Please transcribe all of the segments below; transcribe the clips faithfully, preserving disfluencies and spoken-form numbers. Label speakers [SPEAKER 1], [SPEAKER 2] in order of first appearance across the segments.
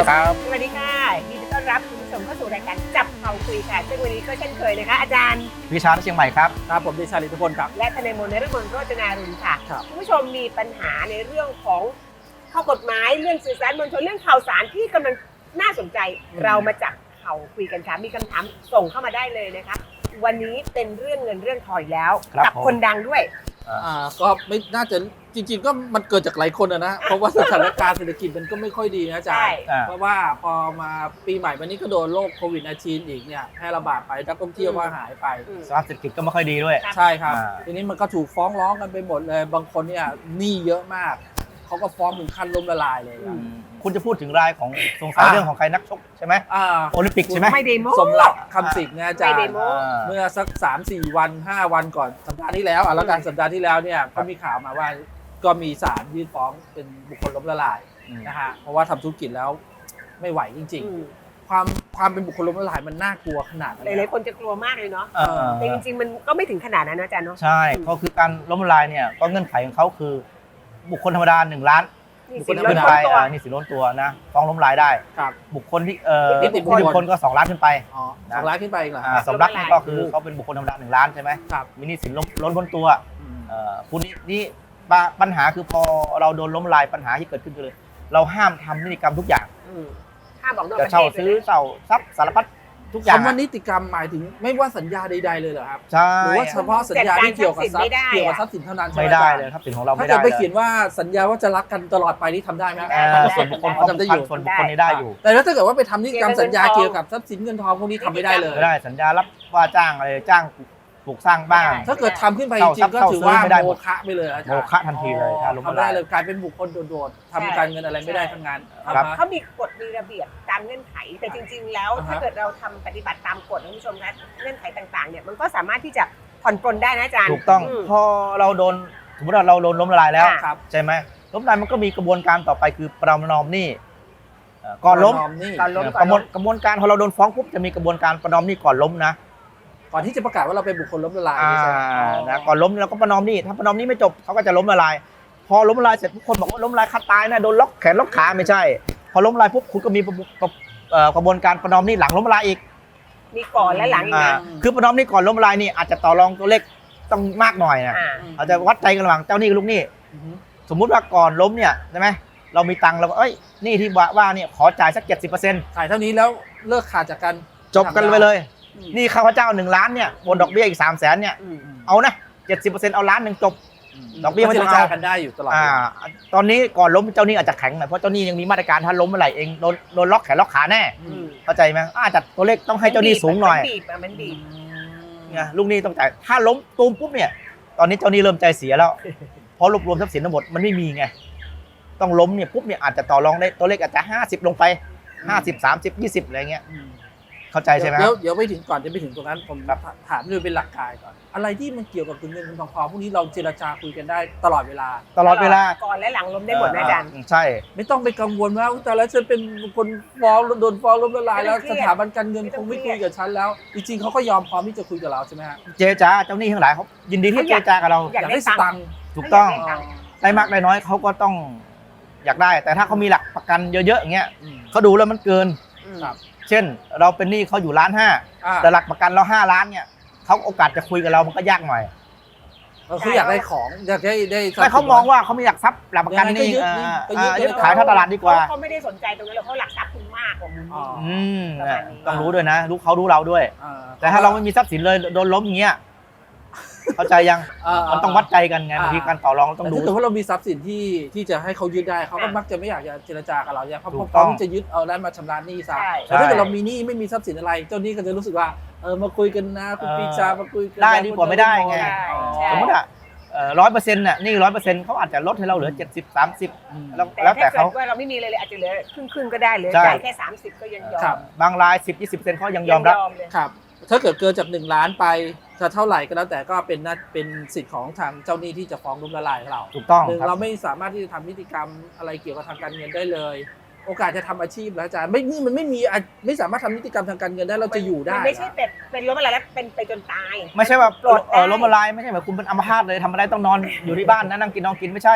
[SPEAKER 1] ครับ
[SPEAKER 2] สวัสดีค่ะยินดีต้อนรับคุณผู้ชมเข้าสู่รายการจับเข่าคุยค่ะซึ่งวันนี้ก็เช่นเคยนะคะอาจารย์
[SPEAKER 1] วิชาเชียงใหม่ครับ
[SPEAKER 3] ครับผมเดชาลิทธิพลครับ
[SPEAKER 2] และทนายมนต์นฤมลโรจนารุณค่ะ
[SPEAKER 3] ครับ
[SPEAKER 2] คุณผู้ชมมีปัญหาในเรื่องของข้อกฎหมายเรื่องสื่อสารมวลชนเรื่องข่าวสารที่กำลังน่าสนใจเรามาจับเข่าคุยกันค่ะมีคำถามส่งเข้ามาได้เลยนะคะวันนี้เป็นเรื่องเงินเรื่องทองแล้ว
[SPEAKER 1] ครับ
[SPEAKER 2] กั
[SPEAKER 1] ผม
[SPEAKER 2] คนดังด้วย
[SPEAKER 3] อ่าก็ไม่น่าจะจริงๆก็มันเกิดจากหลายคนนะนะเพราะว่าสถานการณ์เศรษฐกิจมันก็ไม่ค่อยดีนะอาจาร
[SPEAKER 2] ใช่
[SPEAKER 3] ย์
[SPEAKER 1] อ่า
[SPEAKER 3] เพราะว่าพอมาปีใหม่วันนี้ก็โดนโรคโควิด สิบเก้า อีกเนี่ยแพร่ระบาดไปนักท่องเที่ยวก็หายไป
[SPEAKER 2] อืม
[SPEAKER 1] สภาพเศรษฐกิจก็ไม่ค่อยดีด้วย
[SPEAKER 2] ครับ
[SPEAKER 3] ใช่ครับ
[SPEAKER 1] อ่า
[SPEAKER 3] ทีนี้มันก็ถูกฟ้องร้องกันไปหมดเลย บางคนเนี่ยหนี้เยอะมากเขาก็ฟ้องถึงขั้นล้มละลายเลย
[SPEAKER 2] อื
[SPEAKER 3] อะ
[SPEAKER 2] ม
[SPEAKER 1] คุณจะพูดถึงรายของสงสัย
[SPEAKER 3] อ่า
[SPEAKER 1] เรื่องของใครนักชกใช่ไหม
[SPEAKER 3] อ่า
[SPEAKER 1] โอลิมปิกใช่ไหม
[SPEAKER 2] ไม่เดโม
[SPEAKER 3] สมรักคำสิงห์เนี่ยอาจาร
[SPEAKER 2] ไม่ได้
[SPEAKER 3] ย์
[SPEAKER 2] โม้
[SPEAKER 1] อ่า
[SPEAKER 3] เมื่อสัก สามสี่ วัน ห้า วันก่อนสัปดาห์ที่แล้วอ่ะแล้วกันสัปดาห์ที่แล้วเนี่ย
[SPEAKER 1] ครั
[SPEAKER 3] ก็
[SPEAKER 1] บ
[SPEAKER 3] มีข่าวมาว่าก็มีศาลยื่นฟ้องเป็นบุคคลล้มละลาย
[SPEAKER 1] อืม
[SPEAKER 3] นะฮะเพราะว่าทำธุรกิจแล้วไม่ไหวจริง
[SPEAKER 2] อืม
[SPEAKER 3] ๆ ความความเป็นบุคคลล้มละลายมันน่ากลัวขนาดไห
[SPEAKER 2] ห
[SPEAKER 3] น
[SPEAKER 2] ลายๆคนจะกลัวมากเลยเนาะ
[SPEAKER 1] เออ
[SPEAKER 2] แต่จริงๆมันก็ไม่ถึงขนาดนั้นนะอาจารย์เนาะ
[SPEAKER 1] ใช่ก็คือการล้มละลายเนี่ยก็เงื่อนไขของเขาคือ บุคคลธรรมดาหนึ่งล้าน
[SPEAKER 2] นี่
[SPEAKER 1] บุคค
[SPEAKER 2] สิ
[SPEAKER 1] ล
[SPEAKER 2] น
[SPEAKER 1] ธร
[SPEAKER 2] ล้
[SPEAKER 1] รม
[SPEAKER 2] น
[SPEAKER 1] ดา
[SPEAKER 2] พ้นตัว
[SPEAKER 1] อ่านี่สินล้นตัวนะฟ้องล้มละลายได้
[SPEAKER 3] ครับ
[SPEAKER 1] บุคคลที่เอ่อ
[SPEAKER 3] นิติบุคคล
[SPEAKER 1] นิติบุคคลก็สองล้านขึ้นไป
[SPEAKER 3] อ๋อสองล้านขึ้นไปอีกเหรอ
[SPEAKER 1] อ่าสมรักนี่ก็คือเขาเป็นบุคคลธรรมดาหนึ่งล้านใช่ไหม
[SPEAKER 3] ครับ
[SPEAKER 1] มีหนี้สินล้นล้นพ้นตัว
[SPEAKER 3] อืม
[SPEAKER 1] เอ่อคุณนี่นี่ปะปัญหาคือพอเราโดนล้มละลายปัญหาที่เกิดขึ้นคือเลยเราห้ามทำนิติกรรมทุกอย่าง
[SPEAKER 2] อืมถ้าบอกนอกป
[SPEAKER 1] จะ
[SPEAKER 2] ระเท
[SPEAKER 1] เช่า
[SPEAKER 2] ศ
[SPEAKER 1] ซื้อเช่าทรัพย์สารพัดทุกอย่าง
[SPEAKER 3] คำว่านิติกรรมหมายถึงไม่ว่าสัญญาใดๆเลยเหรอครับ
[SPEAKER 1] ใช่
[SPEAKER 3] หรือว่าเฉพาะสัญญาที่เกี่ยวกับทรัพย์เกี่ยวกับทรัพย์สินเท่านั้นใช่
[SPEAKER 1] ไม่
[SPEAKER 3] ไหม
[SPEAKER 1] ได้
[SPEAKER 3] อาจาร
[SPEAKER 1] เลยทรัพย์สินของเรา
[SPEAKER 3] ถ้า
[SPEAKER 1] ไม่
[SPEAKER 3] เกิ
[SPEAKER 1] ได้
[SPEAKER 3] ดไป
[SPEAKER 1] ล
[SPEAKER 3] เขียนว่าสัญญาว่าจะรักกันตลอดไปนี่ทำได้ไหม
[SPEAKER 1] เอ่อส่วนบุคคล
[SPEAKER 3] อ๋อทำได้อยู่
[SPEAKER 1] ส่วนบุคคลนี้ได้อยู่
[SPEAKER 3] แต่ถ้าเกิดว่าไปทำนิติกรรมสัญญาเกี่ยวกับทรัพย์สินเงินทองพวกนี้ทำไม่ได้เลย
[SPEAKER 1] ไม่ได้สัญญารับว่าจ้างอะไรจ้างปลูกสร้างบ้าน
[SPEAKER 2] ไม่ได้
[SPEAKER 3] ถ้าเกิดทำขึ้นไปจ
[SPEAKER 1] เช่า
[SPEAKER 3] ริงๆก็
[SPEAKER 1] เช่า
[SPEAKER 3] ถือว่า
[SPEAKER 1] ซื้อไม่ได้ห
[SPEAKER 3] โม
[SPEAKER 1] มด
[SPEAKER 3] ฆะไปเลยอาจารย์
[SPEAKER 1] โมฆะทันทีเลยถ้าล้มละลาย
[SPEAKER 3] ทำได้เลยกลายเป็นบุคคลโดดๆทำการเงินอะไรไม่ได้ทั้งนั้น
[SPEAKER 1] ครับ
[SPEAKER 3] อ่าฮะ
[SPEAKER 2] เขามีกฎมีระเบียบตามเงื่อนไข แต่จริง ๆ แล้ว
[SPEAKER 3] อ่าฮะ
[SPEAKER 2] ถ้าเกิดเราทำปฏิบัติตามกฎนะคุณผู้ชมคะเงื่อนไขต่างๆเนี่ยมันก็สามารถที่จะผ่อนปลนได้นะอาจารย์
[SPEAKER 1] ถูกต้อง
[SPEAKER 2] ม
[SPEAKER 1] พอเราโดนสมมติว่าเราโดนล้มละลายแล้ว
[SPEAKER 2] ค่ะ
[SPEAKER 3] ครับ
[SPEAKER 1] ใช่ไหมล้มละลายมันก็มีกระบวนการต่อไปคือประนอมหนี้เอ่อก่อนล้ม
[SPEAKER 3] ประมนี่
[SPEAKER 2] ก่อนล้ม
[SPEAKER 1] เอ่อกระบวนกระบวนการพอเราโดนฟ้องปุ๊บจะมีกระบวนการประนอมหนี้ก่อนล้มนะ
[SPEAKER 3] ก่อนที่จะประกาศว่าเราเป็นบุคคลล้มละลาย
[SPEAKER 1] อ่า
[SPEAKER 3] ใช่ไหม
[SPEAKER 1] นะก่อนล้มเราก็ประนอมหนี้ถ้าประนอมหนี้ไม่จบเขาก็จะล้มละลาย พอล้มละลายเสร็จทุกคนบอกว่าล้มละลายขาดตายนะโดนล็อกแขนล็อกขาไม่ใช่ พอล้มละลายปุ๊บคุณก็มีประบุประเอ่อกระบวนการประนอมหนี้หลังล้มละลายอีก
[SPEAKER 2] มีก่อนและหลังอีก
[SPEAKER 1] อ่า
[SPEAKER 2] นะ
[SPEAKER 1] คือประนอมหนี้ก่อนล้มละลายนี่อาจจะต่อรองตัวเลขต้องมากหน่อยนะ
[SPEAKER 2] อ่า
[SPEAKER 1] อาจจะวัดใจกันระหว่างเจ้าหนี้กับลูกหนี้
[SPEAKER 3] อือฮึ
[SPEAKER 1] สมมุติว่าก่อนล้มเนี่ยใช่ไหมเรามีตังค์เราก็เอ้ยหนี้ที่ว่าว่าเนี่ยขอจ่ายสักเจ็ดสิบเปอร์เซ็นต์
[SPEAKER 3] ถ่ายเท่านี้แล้วเลิกขาดจากกัน
[SPEAKER 1] จบกันไปเลย
[SPEAKER 3] อืม
[SPEAKER 1] หนี่ข้าพเจ้าหนึ่งล้านเนี่ยบนดอกเบี้ยอีกสามแสนเนี่ย
[SPEAKER 2] อืม
[SPEAKER 1] เอานะเจ็ดสิบเปอร์เซ็นต์เอาล้านหนึ่งจบ ดอกเบี้ยไม่
[SPEAKER 3] เจ
[SPEAKER 1] ต้
[SPEAKER 3] ร
[SPEAKER 1] อง
[SPEAKER 3] จา
[SPEAKER 1] เอา
[SPEAKER 3] กันได้อยู่ตลอด
[SPEAKER 1] อ่าตอนนี้ก่อนล้มเจ้าหนี้อาจจะแข็งหน่อยเพราะเจ้าหนี้ยังมีมาตรการถ้าล้มเมื่อไหร่เองโดนโดนล็อกแขนล็อกขาแน่
[SPEAKER 3] อื
[SPEAKER 2] อื
[SPEAKER 3] ม
[SPEAKER 2] ม
[SPEAKER 1] เข้าใจไหมอาจจะตัวเลขต้องให้เจ้าหนี้สูงหน่อย
[SPEAKER 2] มันบีบอะมันบีบ
[SPEAKER 1] เนี่ยลูกหนี้ต้องจ่ายถ้าล้มตูมปุ๊บเนี่ยตอนนี้เจ้าหนี้เริ่มใจเสียแล้วเพราะรวบรวมทรัพย์สินทั้งหมดมันไม่มีไงต้องล้มเนี่ยปุ๊บเนี่ยอาจจะต่อรองได้ตัวเลขอาจจะห้าสิบลงไปห้าสิบสามสิบยี่สิบอะไรเงี้ย
[SPEAKER 3] อืม
[SPEAKER 1] เข้าใจใช่ไหมค
[SPEAKER 3] เดี๋
[SPEAKER 1] รั
[SPEAKER 3] ยว
[SPEAKER 1] บ
[SPEAKER 3] เดี๋ยวไปถึงก่อนจะไปถึงตรงนั้นผม
[SPEAKER 1] ครับ
[SPEAKER 3] ถามดูเป็นหลักการก่อน อะไรที่มันเกี่ยวกับเงินเงินทองทองพวกนี้เราเจรจาคุยกันได้ตลอดเวลา
[SPEAKER 1] ตลอดเวลา
[SPEAKER 2] ก่อนและหลังล้มได้หมดนะอาจารย์
[SPEAKER 1] ใช่
[SPEAKER 3] ไม่ต้องไปกังวลว่าอุ๊ยแต่แล้วฉันเป็นคนฟ้องโดนฟ้องล้มละลายแล้ว
[SPEAKER 2] ไม่ต้องเครี
[SPEAKER 3] ส
[SPEAKER 2] ยด
[SPEAKER 3] ถาบันการเงิน
[SPEAKER 2] ไม่
[SPEAKER 3] ค
[SPEAKER 2] ต้อง
[SPEAKER 3] งไม่
[SPEAKER 2] เครี
[SPEAKER 3] คุ
[SPEAKER 2] ย
[SPEAKER 3] ย
[SPEAKER 2] ด
[SPEAKER 3] กับฉันแล้ว จริงๆเขาก็ยอมพร้อมที่จะคุยกับเราใช่ไหมฮะ
[SPEAKER 1] เจรจาเจ้าหนี้ทั้งหลายเขายินดีที่เจรจากับเรา
[SPEAKER 2] อยากได้
[SPEAKER 3] ส
[SPEAKER 2] ตั
[SPEAKER 3] ตั
[SPEAKER 2] ง
[SPEAKER 3] ง
[SPEAKER 2] ค์
[SPEAKER 3] ค์
[SPEAKER 1] ถูกต้อง
[SPEAKER 2] ได้ตังค์
[SPEAKER 1] ได้มากได้น้อยเขาก็ต้องอยากได้ แต่ถ้าเขามีหลักประกันเยอะๆอย่างเงี้ย
[SPEAKER 3] อืม
[SPEAKER 1] เขาดูแล้วมันเกิน
[SPEAKER 2] อืม
[SPEAKER 3] ครับ
[SPEAKER 1] เช่น เราเป็นหนี้เขาอยู่ล้านห้า
[SPEAKER 3] อ่า
[SPEAKER 1] แต่หลักประกันเราห้าล้านเนี่ยเขาโอกาสจะคุยกับเรามันก็ยากหน่อย
[SPEAKER 3] เออคืออยากได้ของอยากได้ได้ทรัพ
[SPEAKER 1] แต่
[SPEAKER 3] ย์
[SPEAKER 1] เขา
[SPEAKER 3] สิน
[SPEAKER 1] มองว่าเขาไม่อยากทรัพย์หลักประกัน
[SPEAKER 3] ยังไงก็
[SPEAKER 1] นี่
[SPEAKER 3] ยึด
[SPEAKER 1] เอ่
[SPEAKER 3] นี่
[SPEAKER 1] อ
[SPEAKER 3] ก็ยึด
[SPEAKER 1] เอ่อยึด
[SPEAKER 3] ไปเลย
[SPEAKER 1] ขายท่าตลาดดีกว่า
[SPEAKER 2] เขาไม่ได้สนใจตรงนั้นหรอกเขาหลักทรัพย์คุณมากกว่ามุม
[SPEAKER 3] อ๋อ
[SPEAKER 1] อืม
[SPEAKER 2] ประมาณนี้
[SPEAKER 1] ต้องรู้ด้วยนะรู้เขารู้เราด้วย
[SPEAKER 3] อ่
[SPEAKER 1] แต่ถ้าเราไม่มีทรัพย์สินเลยโดนล้มอย่างเงี้ยเข้าใจยัง
[SPEAKER 3] อ่า
[SPEAKER 1] มันต้องวัดใจกันไง
[SPEAKER 3] อ่า
[SPEAKER 1] บางทีการต่อรองต้อง
[SPEAKER 3] แต่
[SPEAKER 1] ดู
[SPEAKER 3] ถ้าเกิดว่าเรามีทรัพย์สินที่ที่จะให้เขายึดได้เขาก็
[SPEAKER 2] อ่ะ
[SPEAKER 3] มักจะไม่อยากจะเจรจากับเราเนี่ยเพราะ
[SPEAKER 1] ถูก
[SPEAKER 3] พร้อม
[SPEAKER 1] ต้อง
[SPEAKER 3] ที่จะยึดเอาได้มาชำระหนี้ซะ
[SPEAKER 2] ใช่
[SPEAKER 3] แต่ถ้าเกิดเรามีหนี้ไม่มีทรัพย์สินอะไร เจ้าหนี้ก็จะรู้สึกว่าเออมาคุยกันนะคุณปรีชามาคุยกัน
[SPEAKER 1] ได้ดีกว่าไม่ได้ไง
[SPEAKER 2] ใช่ใช่
[SPEAKER 1] สมมติอ่ะร้อยเปอร์เซ็นต์น่ะหนี่ร้อยเปอร์เซ็นต์เขาอาจจะลดให้เราเหลือเจ็ดสิบสามสิบ
[SPEAKER 3] อืม
[SPEAKER 1] แล้ว
[SPEAKER 2] แต่
[SPEAKER 1] แล้วแต่
[SPEAKER 2] ถ้าเกิ
[SPEAKER 1] เขา
[SPEAKER 2] ดว่าเราไม่มีเลยเลยอาจจะเหลือครึ่งครึ่งๆก็ได้เหลือ
[SPEAKER 1] ใช่
[SPEAKER 2] จ่ายแค่สามสิบก็ยังยอ
[SPEAKER 3] ครั
[SPEAKER 2] ม
[SPEAKER 3] บ
[SPEAKER 1] บางรายสิบยี่สิบเปอร์เซ็นต์เขายังยอมรับ
[SPEAKER 2] เลย
[SPEAKER 3] ครับถ้าเกิดเกินจากหนึ่งล้านไปจะเท่าไหร่ก็แล้วแต่ก็เป็นหน้าเป็นสิทธิ์ของทางเจ้าหนี้ที่จะฟ้องล้มละลายเรา
[SPEAKER 1] ถูกต้อง
[SPEAKER 3] หนึ่ง
[SPEAKER 1] ครับ
[SPEAKER 3] เราไม่สามารถที่จะทำนิติกรรมอะไรเกี่ยวกับทางการเงินได้เลย โอกาสจะทำอาชีพแล้วอาจารย์ไม่นี่มันไม่มีอ่ะไม่สามารถทำนิติกรรมทางการเงินได้เราจะอยู่ได้
[SPEAKER 2] มันไม่ใช่
[SPEAKER 3] นะ
[SPEAKER 2] เป็นเป็นล้มอะไรแล้วเป็นไปจนตาย
[SPEAKER 1] ไม่ใช่ว่า
[SPEAKER 2] ปลดได้
[SPEAKER 1] เออล้มละลายไม่ใช่แบบคุณเป็นอัมพาตเลยทำอะไรต้องนอนอยู่ที่บ้านนะนั่งกินนอนกินไม่ใช่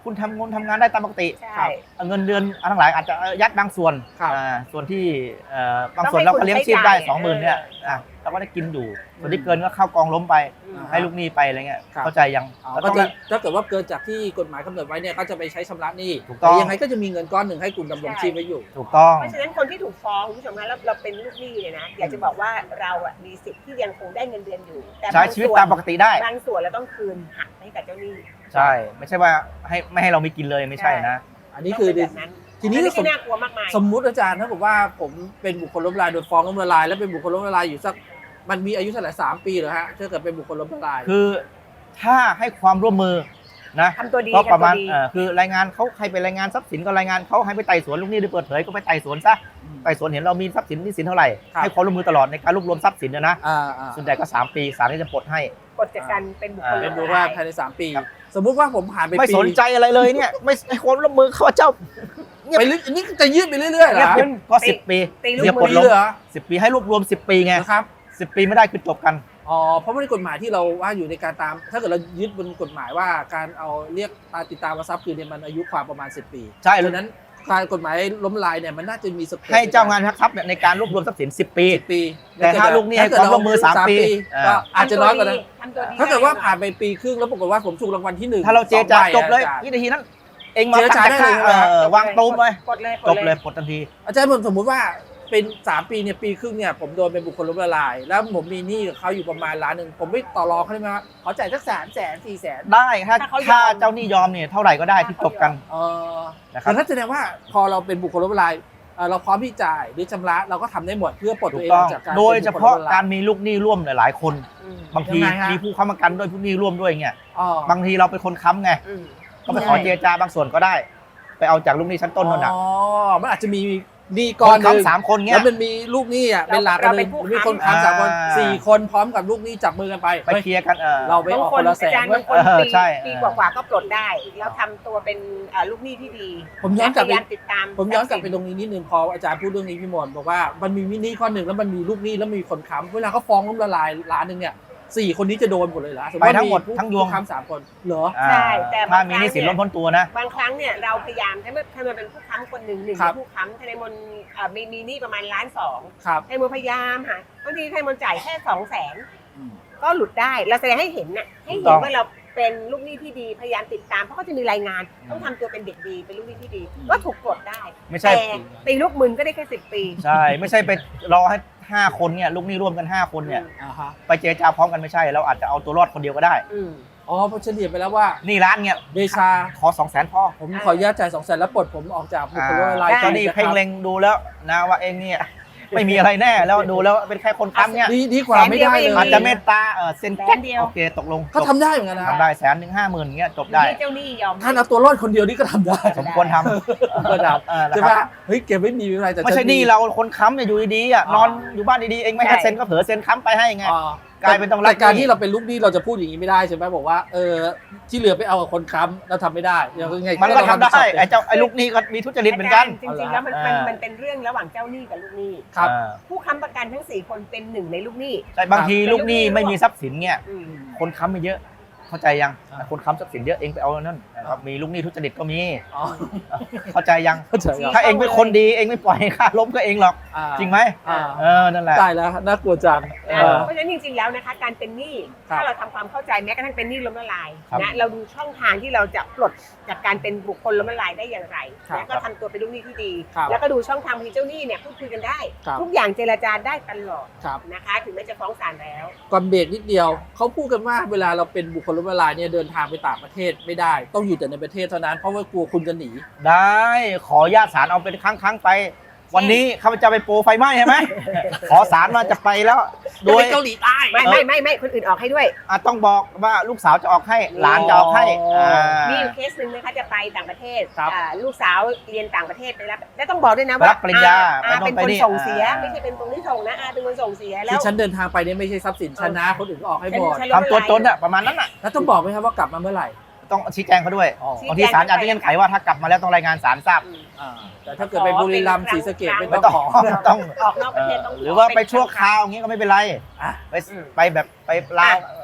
[SPEAKER 1] คุณทำงานทำงานได้ตามปกติ
[SPEAKER 2] ใช่
[SPEAKER 1] ครับเงินเดือนอันทั้งหลายอาจจะยัดบางส่วน
[SPEAKER 3] ครับ
[SPEAKER 1] อ่าส่วนที่เอ่อบางส่วน
[SPEAKER 2] ต้องให้
[SPEAKER 1] เราก็เลี้ยงชีพได้
[SPEAKER 2] คุณใช้จ่าย
[SPEAKER 1] สองหมื่นเนี่ย
[SPEAKER 2] เอออ่
[SPEAKER 1] อ่ะเราก็ได้กินอยู่ส่วนที่เกินก็เข้ากองล้มไป
[SPEAKER 2] อืม
[SPEAKER 1] ให้ลูกหนี้ไปอะไรเงี้ย
[SPEAKER 3] ครับ
[SPEAKER 1] เข้าใจยัง
[SPEAKER 3] อ๋อ
[SPEAKER 1] แล้ว
[SPEAKER 3] ก็
[SPEAKER 1] ต้อง
[SPEAKER 3] จะถ้าเกิดว่าเกินจากที่กฎหมายกำหนดไว้เนี่ยก็จะไปใช้ชำระหนี้
[SPEAKER 1] ถูกต้อง
[SPEAKER 3] แต่ยังไงก็จะมีเงินก้อนหนึ่งให้คุณดำรงชีพไว้อยู่
[SPEAKER 1] ถูกต้อง
[SPEAKER 2] เพราะฉะนั้นคนที่ถูกฟ้องคุณผู้ชมคะแล้วเราเป็นลูกหนี้เนี่ยนะอยากจะบอกว่าเราอ่ะมีสิทธิ์ที่ยังคงได้เงินเดือนอยู่แต่
[SPEAKER 1] ใช้ชีวิตตามปกติได้
[SPEAKER 2] บางส่วนเราต้องคืนหักให้กับเจ้าหนี้
[SPEAKER 1] ใช่ ไม่ใช่ว่าให้ไม่ให้เราไม่กินเลยไม่ใช่นะ
[SPEAKER 3] อันนี้คือ
[SPEAKER 2] ต้องเป็นแบบนั้น
[SPEAKER 3] ทีนี้
[SPEAKER 2] ไม่
[SPEAKER 3] ส
[SPEAKER 2] ใช่
[SPEAKER 3] ม
[SPEAKER 2] น่ากลัวมากมาย
[SPEAKER 3] สมมุติอาจารย์ถ้าบอกว่าผมเป็นบุคคลล้มละลายโดยฟ้องล้มละลายแล้วเป็นบุคคลล้มละลายอยู่สักมันมีอายุเท่าไหร่สามปีเหรอฮะถ้าเกิดเป็นบุคคลล้มละลาย
[SPEAKER 1] คือถ้าให้ความร่วมมือนะ
[SPEAKER 2] ทำตัวดี
[SPEAKER 1] ก็ประมาณ
[SPEAKER 2] ทำตัวดี
[SPEAKER 1] เอ่อคือรายงานเขาให้ไปรายงานทรัพย์สินก็รายงานเขาให้ไปไต่สวนลูกหนี้โดยเปิดเผยก็ไปไต่สวนซะไต่สวนเห็นเรามีทรัพย์สินหนี้สินเท่าไหร่
[SPEAKER 3] ครับ
[SPEAKER 1] ให้ความร่วมมือตลอดในการรวบรวมทรัพย์สินนะนะ
[SPEAKER 3] อ่าอ่า
[SPEAKER 1] ส่วนใหญ่ก็สามปีศาลก็จะปลดให้
[SPEAKER 2] กฎจากการเป็นบุคคล
[SPEAKER 1] อ่า
[SPEAKER 3] เป็นบุ
[SPEAKER 2] ล้
[SPEAKER 3] ค
[SPEAKER 2] ม
[SPEAKER 3] คล
[SPEAKER 2] ละลาย
[SPEAKER 3] ภายในสามปี
[SPEAKER 1] ครับ
[SPEAKER 3] สมมุติว่าผมผ่านไป
[SPEAKER 1] ไม่
[SPEAKER 3] ปี
[SPEAKER 1] สนใจอะไรเลยเนี่ยไม่ให้ความร่วมมือเขาเจ้า
[SPEAKER 3] ไปเรื่อยนี่จะยืดไปเรื่อยๆเหร
[SPEAKER 1] เงีย
[SPEAKER 3] อบ
[SPEAKER 1] ขึ้นก็สิบปี
[SPEAKER 2] ตีลูก
[SPEAKER 1] เดี๋ยว
[SPEAKER 2] มื
[SPEAKER 1] ปลด
[SPEAKER 2] อ
[SPEAKER 1] ลง
[SPEAKER 3] เหรอ
[SPEAKER 1] สิบปีให้รวบรวมสิบปีไง
[SPEAKER 3] นะครับ
[SPEAKER 1] สิบปีไม่ได้คือจบกัน
[SPEAKER 3] อ๋อเพราะว่าในกฎหมายที่เราว่าอยู่ในการตาม ถ้าเกิดเรายึดบนกฎหมายว่าการเอาเรียกติดตามทรัพย์คืนเนี่ยมันอายุความประมาณสิบปี
[SPEAKER 1] ใช่
[SPEAKER 3] ดังนั้นการกฎหมายล้มละลายเนี่ยมันน่าจะมีสเปซ
[SPEAKER 1] ให้เจ้างานทรัพย์เนี่ยในการรวบรวมทรัพย์สินสิบปี
[SPEAKER 3] สิบปี
[SPEAKER 1] แต่ถ้าลูกหนี้ให้ความร่วมมือสามปี
[SPEAKER 3] ก็อาจจะน้อยกว่านั้น
[SPEAKER 2] ทำตัวดี
[SPEAKER 3] ถ้าเกิดว่าผ่านไปปีครึ่งแล้วปรากฏว่าผมถูกรางวัลที่หนึ่ง
[SPEAKER 1] ถ้าเราเจรจา
[SPEAKER 3] สองใ
[SPEAKER 1] จบเลย
[SPEAKER 3] อาจาร
[SPEAKER 1] วินาทีนั้น เองมา
[SPEAKER 3] เจรจาได้เลย
[SPEAKER 1] เออวางตูมเลย
[SPEAKER 2] กดเลย
[SPEAKER 1] จบเลยปลดทันที
[SPEAKER 3] อาจารย์ผมสมมุติว่าเป็นสามปีเนี่ยปีครึ่งเนี่ยผมโดนเป็นบุคคลล้มละลาย แล้วผมมีหนี้กับเขาอยู่ประมาณล้านหนึ่งผมไม่ต่อรองเขาได้ไหมว่าขอจ่ายสักสามแสนสี่แสน
[SPEAKER 1] ได้ถ้าถ้าเจ้าหนี้ยอมเนี่ยเท่าไหร่ก็ได้ที่จบกัน
[SPEAKER 3] เออ
[SPEAKER 1] นะครับ
[SPEAKER 3] แต่ถ้าแสดงว่าพอเราเป็นบุคคลล้มละลายเอ่อเราพร้อมที่จ่ายหรือชำระเราก็ทำได้หมดเพื่อปลด
[SPEAKER 1] ถู
[SPEAKER 3] ตัว
[SPEAKER 1] ก
[SPEAKER 3] เอง
[SPEAKER 1] ต้
[SPEAKER 3] อ
[SPEAKER 1] อ
[SPEAKER 3] อง กจากการ
[SPEAKER 1] โดยเฉพาะ
[SPEAKER 3] ป็นบุคคลล้มละล
[SPEAKER 1] การมีลูกหนี้ร่วมหลายๆคน
[SPEAKER 2] อืม
[SPEAKER 1] บางที
[SPEAKER 3] ยังไงฮะ
[SPEAKER 1] มีผู้ค้ำประกันด้วยผู้หนี้ร่วมด้วยเงี้ย
[SPEAKER 3] อ๋อบ
[SPEAKER 1] างทีเราเป็นคนค้ำไง
[SPEAKER 2] อืม
[SPEAKER 1] ก็ไปขอเจรจาบางส่วนก็ได้ ไปเอาจากลูกหนี้ชั้นต้นนั่นน่ะ
[SPEAKER 3] อ๋อมันอาจจะมีหนี้
[SPEAKER 1] ค
[SPEAKER 3] ก้อน
[SPEAKER 1] น
[SPEAKER 3] หนึ่ง
[SPEAKER 1] ค้ำสามคนเงี้
[SPEAKER 3] แล้
[SPEAKER 1] ยว
[SPEAKER 3] มันมีลูกหนี้อ่ะเป็นหลักกัน
[SPEAKER 2] เรา
[SPEAKER 3] ห
[SPEAKER 2] เป็
[SPEAKER 3] นึ่
[SPEAKER 2] น
[SPEAKER 3] ง
[SPEAKER 2] ผู้
[SPEAKER 3] มีคน
[SPEAKER 2] ค้ำ
[SPEAKER 3] ค้ำสามคน
[SPEAKER 1] อ่า
[SPEAKER 3] สี่คนพร้อมกับลูกหนี้จับมือกันไป
[SPEAKER 1] ไปเคลียร์กันเออ
[SPEAKER 3] เราไป
[SPEAKER 2] บาง
[SPEAKER 3] ออก
[SPEAKER 2] ค
[SPEAKER 3] คน นละแส
[SPEAKER 2] อาน จารย์
[SPEAKER 3] เว้
[SPEAKER 2] บาย งคน
[SPEAKER 1] เออ
[SPEAKER 2] ปี
[SPEAKER 1] ใช่
[SPEAKER 2] ปีกว่าๆก็ปลดได้ แล้วทำตัวเป็นเอ่อลูกหนี้ที่ดี
[SPEAKER 3] ผมย้อนกลับ
[SPEAKER 2] พ
[SPEAKER 3] ไป
[SPEAKER 2] ยายามติดตาม
[SPEAKER 3] ผมย้อนกลับไปตรงนี้นิดนึงพออาจารย์พูดเรื่องนี้พี่มนต์บอกว่ามันมีหนี้ข้อหนึ่งแล้วมันมีลูกหนี้แล้วมีคนค้ำเวลาเขาฟ้องล้มละลายล้านหนึ่งเนี่ยสี่คนนี้จะโดนหมดเลยเหรอสม
[SPEAKER 1] ไป
[SPEAKER 3] ติว่า
[SPEAKER 1] ทั้งหมด
[SPEAKER 3] ผู้
[SPEAKER 1] ทั้งยวง
[SPEAKER 3] ผู้ค้ำสามคนเหรอ
[SPEAKER 1] อ่า
[SPEAKER 2] ใช่แต่
[SPEAKER 1] ถ้า
[SPEAKER 2] บาง
[SPEAKER 1] มี
[SPEAKER 2] ครั้
[SPEAKER 1] ห
[SPEAKER 2] ง
[SPEAKER 1] นี้สิน
[SPEAKER 2] เนี่ย
[SPEAKER 1] ล้นพ้นตัวนะ
[SPEAKER 2] บางครั้งเนี่ยเราพยายามถ้ามันถ้ามันเป็นผู้ค้ำคนหนึ่งหนึ่ง
[SPEAKER 3] ครับ
[SPEAKER 2] ในผู้ค้ำทนายมนต์เอ่อมีมีหนี้ประมาณล้านสอง
[SPEAKER 3] ครับ
[SPEAKER 2] ทนายมนต์พยายามหาบางทีทนายมนต์จ่ายแค่สองแสน
[SPEAKER 3] อืม
[SPEAKER 2] ก็หลุดได้เราแสดงให้เห็นน่ะให้
[SPEAKER 1] ถูกต้
[SPEAKER 2] เห็
[SPEAKER 1] อน ง
[SPEAKER 2] ว่าเราเป็นลูกหนี้ที่ดีพยายามติดตามเพราะเขาจะมีรายงาน ต้องทำตัวเป็นเด็กดีเป็นลูกหนี้ที่ดี ก็ถูกปลดได้
[SPEAKER 1] ไม่ใช่
[SPEAKER 2] แต่ตีลูกมึนก็ได้แค่สิบปี
[SPEAKER 1] ใช่ ไม่ใช่ไปรอให้ห้าคนเนี่ยลูกหนี้ร่วมกันห้าคนเนี่ย
[SPEAKER 3] อ่าฮะ
[SPEAKER 1] ไปเจรจาพร้อมกันไม่ใช่ เราอาจจะเอาตัวรอดคนเดียวก็ได้
[SPEAKER 2] อืม
[SPEAKER 3] อ๋อเพราะเฉลี่ยไปแล้วว่า
[SPEAKER 1] หนี่ร้านเนี่ย
[SPEAKER 3] เดชา
[SPEAKER 1] ขอสองแสนพอ
[SPEAKER 3] ผมขออนุญาตจ่ายสองแสนแล้วปลดผมออกจากบุคคลล้มละลาย
[SPEAKER 2] ได้
[SPEAKER 1] เจ้าหนี้เพ่งเล็งดูแล้วนะว่าเองเนี่ย ไม่มีอะไรแน่แล้วดูแล้วเป็นแค่คนค้ำเนี่ย
[SPEAKER 3] ดีดีกว่าไม่ได้เลย
[SPEAKER 1] อาจจะเมตตาเออเซ็น
[SPEAKER 2] แสนเดียว
[SPEAKER 1] โอเคตกลง
[SPEAKER 3] ก็
[SPEAKER 1] จบ
[SPEAKER 3] ทำได้เหมือนกันนะ
[SPEAKER 1] ทำได้แสนหนึ่งห้าหมื่นเงี้ยจบได้
[SPEAKER 2] ที่เจ้าหนี้ยอม
[SPEAKER 3] ท่านเอาตัวรอดคนเดียวนี่ก็ทำได้
[SPEAKER 1] สมควรทำ
[SPEAKER 3] ก็ท
[SPEAKER 1] เออ
[SPEAKER 3] ำ
[SPEAKER 1] นะ
[SPEAKER 3] ใช่
[SPEAKER 1] ค
[SPEAKER 3] ไหม
[SPEAKER 1] รับ
[SPEAKER 3] เฮ้ยเก็บไม่มีอะไรแต่
[SPEAKER 1] ไม่ใช่
[SPEAKER 3] ฉั
[SPEAKER 1] หนี่เราคนค้ำเนี่ยอยู่ดีๆอ่ะ
[SPEAKER 3] อ๋อน
[SPEAKER 1] อนอยู่บ้านดีๆเองไม่ให้เซ็นก็เผลอเซ็นค้ำไปให้ไง
[SPEAKER 3] อ๋อก
[SPEAKER 1] ลายเป็นต้องรับ
[SPEAKER 3] แต่การ
[SPEAKER 1] หนี้
[SPEAKER 3] ที่เราเป็นลูกหนี้เราจะพูดอย่างนี้ไม่ได้ใช่ไหมบอกว่าเออที่เหลือไปเอากับคนค้ำเราทำไม่ได้ยังไง
[SPEAKER 1] มันก็ทำได้
[SPEAKER 3] เรา
[SPEAKER 1] ไอ้เจ้าไอ้ลูกหนี้ก็มีทุจริตเหมือนกัน
[SPEAKER 2] จริงๆแล้วมันมัน
[SPEAKER 1] อ่ามั
[SPEAKER 2] มันเป็นเรื่องระหว่างเจ้าหนี้กับลูกหนี้
[SPEAKER 3] ครับ
[SPEAKER 1] อ่า
[SPEAKER 2] ผู้ค้ำประกันทั้งสี่คนเป็นหนึ่งในลูกหนี้
[SPEAKER 1] ใช่บางทีลูกหนี้ไม่มีทรัพย์สินเนี่ย
[SPEAKER 2] อืม
[SPEAKER 1] คนค้ำไม่เยอะ เข้าใจยัง
[SPEAKER 3] อ่า
[SPEAKER 1] คนค้ำทรัพย์สินเยอะเองไปเอานั่นนะครับมีลูกหนี้ทุจริตก็มี
[SPEAKER 3] อ๋อ
[SPEAKER 1] เข้าใจยัง
[SPEAKER 3] เข้าใจครับ
[SPEAKER 1] ถ้าเองเป็นคนดีเองไม่ปล่อยให้ค่าล้มก็เองหรอก
[SPEAKER 3] อ่า
[SPEAKER 1] จริงไหม
[SPEAKER 3] อ่า
[SPEAKER 1] เออนั่นแหละ
[SPEAKER 3] ตายแล้วน่ากลัวจัง
[SPEAKER 2] นะ
[SPEAKER 3] เออ
[SPEAKER 2] เพราะฉะนั้นจริงๆแล้วนะคะการเป็นหนี้
[SPEAKER 3] ครับ
[SPEAKER 2] ถ้าเราทำความเข้าใจแม้กระทั่งเป็นหนี้ล้มละลาย
[SPEAKER 1] ครับ
[SPEAKER 2] นะเราดูช่องทางที่เราจะปลดจากการเป็นบุคคลล้มละลายได้อย่างไร
[SPEAKER 3] ครับ
[SPEAKER 2] แล้วก็ทำตัวเป็นลูกหนี้ที่ดี
[SPEAKER 3] ครับ
[SPEAKER 2] แล้วก็ดูช่องทางที่เจ้าหนี้เนี่ยพูดคุยกันได้
[SPEAKER 3] ครับ
[SPEAKER 2] ทุกอย่างเจรจาได้ตลอด
[SPEAKER 3] ครับ
[SPEAKER 2] นะคะ ถึงแม้จะฟ้องศาลแล้ว
[SPEAKER 3] ก่อนเบรกนิดเดียวเขาพูดกันว่าเวลาเราเป็นบุคคลล้มละลายเนี่ยเดินทางไปต่างประเทศไม่ได้ ต้องอยู่แต่ในประเทศเท่านั้นเพราะว่ากลัวคุณจะหนี
[SPEAKER 1] ได้ขอญาตศาลเอาเป็นครั้งครั้งๆไป วันนี้ข้าพเจ้าไปโปรไฟไหม้ใช่ไหม ขอศาลมาจะไปแล้ว โด
[SPEAKER 3] โด
[SPEAKER 1] ย
[SPEAKER 3] ยเกาหลีใต้
[SPEAKER 2] ไม่ไม่ไม่ไม่คนอื่นออกให้ด้วย
[SPEAKER 1] อ่ะต้องบอกว่าลูกสาวจะออกให้หลานจะออกให้
[SPEAKER 3] อ๋ออ่
[SPEAKER 1] า
[SPEAKER 2] มีอยู่เคสหนึ่งนะคะจะไปต่างประเทศ
[SPEAKER 3] ครับ
[SPEAKER 2] อ่าลูกสาวเรียนต่างประเทศไปรับและต้องบอกด้วยนะ
[SPEAKER 1] ไป
[SPEAKER 2] ว่า
[SPEAKER 1] รับปริญญา
[SPEAKER 2] อา
[SPEAKER 1] ไป
[SPEAKER 2] เป็น
[SPEAKER 1] โน่นไป
[SPEAKER 2] คน
[SPEAKER 1] นี่
[SPEAKER 2] ส่งเสีย
[SPEAKER 1] อ่า
[SPEAKER 2] ไม่ใช่เป็นตรงที่ส่งนะอาเป็นคนส่งเสียแล้ว
[SPEAKER 3] ที่ฉันเดินทางไปเนี่ยไม่ใช่ทรัพย์สินฉันนะคนอื่นก็ออกให้หมด
[SPEAKER 2] ฉัน
[SPEAKER 1] ทำตัวจนอ่ะประมาณนั้นอ่ะ
[SPEAKER 3] แล้วต้องบอกไหมครับว่ากลับมาเมื่อไหร่
[SPEAKER 1] ต้องชี้แจงเขาด้วย
[SPEAKER 3] อ๋อ
[SPEAKER 2] ชี้
[SPEAKER 1] บางทีศาลอาจจะเงื่อนไขว่าถ้ากลับมาแล้วต้องรายงานศาลทราบ
[SPEAKER 2] อืม
[SPEAKER 3] อ่าแต่ถ้าเกิดไปบุรีรัมย์ศรีสะเกษไม่
[SPEAKER 1] ไม่
[SPEAKER 3] ต้อง
[SPEAKER 1] ต้อง
[SPEAKER 3] ขอ
[SPEAKER 1] ไม่ต้อง
[SPEAKER 2] ออกนอกประเทศต้อง
[SPEAKER 1] หรือว่าไปชั่วคราวอย่างเงี้ยก็ไม่เป็นไร
[SPEAKER 3] อ่ะ
[SPEAKER 1] ไปไปแบบไปลาว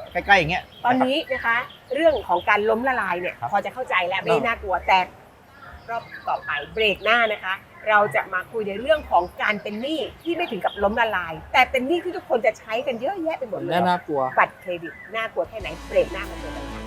[SPEAKER 1] ใกล้ๆอย่างเงี้ย
[SPEAKER 2] ตอนนี้นะคะเรื่องของการล้มละลายเนี่ย
[SPEAKER 1] ครับ
[SPEAKER 2] พอจะเข้าใจแล้วไม่น่ากลัวแต่รอบต่อไปเบรกหน้านะคะ เราจะมาคุยในเรื่องของการเป็นหนี้ที่ไม่ถึงกับล้มละลาย แต่เป็นหนี้ที่ทุกคนจะใช้กันเยอะแยะไปหมดเล
[SPEAKER 3] แน่
[SPEAKER 2] ย
[SPEAKER 3] น่ากลัว
[SPEAKER 2] บัตรเครดิตน่ากลัวแค่ไหนเบรกหน้ามาเจอกันค่ะ